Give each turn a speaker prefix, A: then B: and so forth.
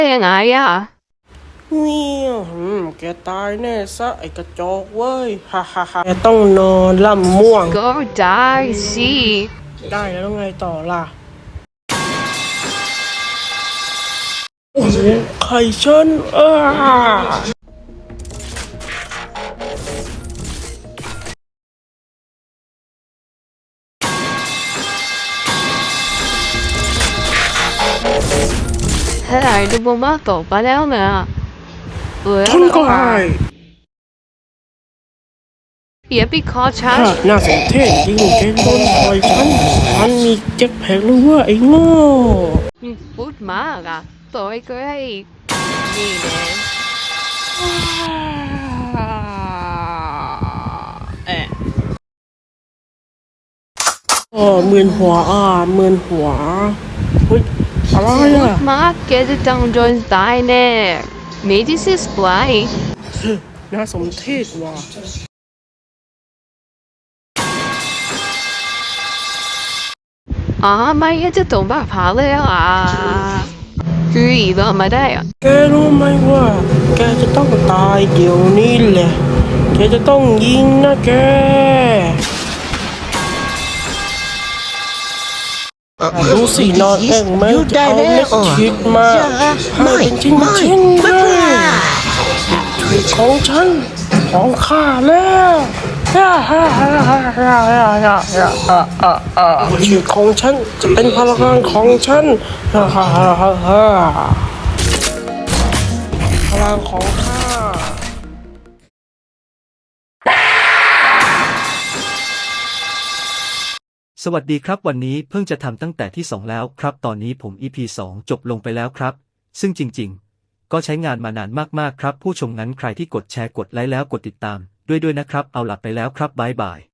A: ยังไงอ่ะ
B: เนี่ยแกตายแน่ซะไอ้กระจอกเว้ยฮ่าฮ่าฮ่าแกต้องนอนล่ำม่วง
A: ก็ได้สิ
B: ได้แล้วไงต่อล่ะโอ้โหไข่ฉัน
A: เฮ้ยดูบมาตกไปแล้วนะ
B: ฉันก็ให้
A: อย่าไปขอฉัน
B: น่าสนเท่จริงแกโดนต่อยฉันมีแจ็คแพ็คหรือว่าไอ้โง่
A: พูดมากอ่ะต่อยก็ให้นี่แน่
B: มึนหัวมึนหัวเฮ้ยอะไร
A: พูดมากแกจะต้องโดนตายแน่ไม่ได้สิสปลาย
B: น่าสมเทศว่ะ
A: ไม่จะต้องบ้าผาเลยคืออีกแล้วมาได้
B: แกรู้ไหมว่าแกจะต้องตายเดี๋ยวนี้แหละแกจะต้องยิงนะแกดูสินอนแอ่งไหมจะเอาเล็กคิดมาให้เป็นชิ้นเลยถือของฉันของข้าแล้วชื่อของฉันจะเป็นพลังงานของฉันพลังของข้า
C: สวัสดีครับวันนี้เพิ่งจะทำตั้งแต่ที่2แล้วครับตอนนี้ผม EP 2จบลงไปแล้วครับซึ่งจริงๆก็ใช้งานมานานมากๆครับผู้ชมงั้นใครที่กดแชร์กดไลค์แล้วกดติดตามด้วยนะครับเอาหลับไปแล้วครับบ๊ายบาย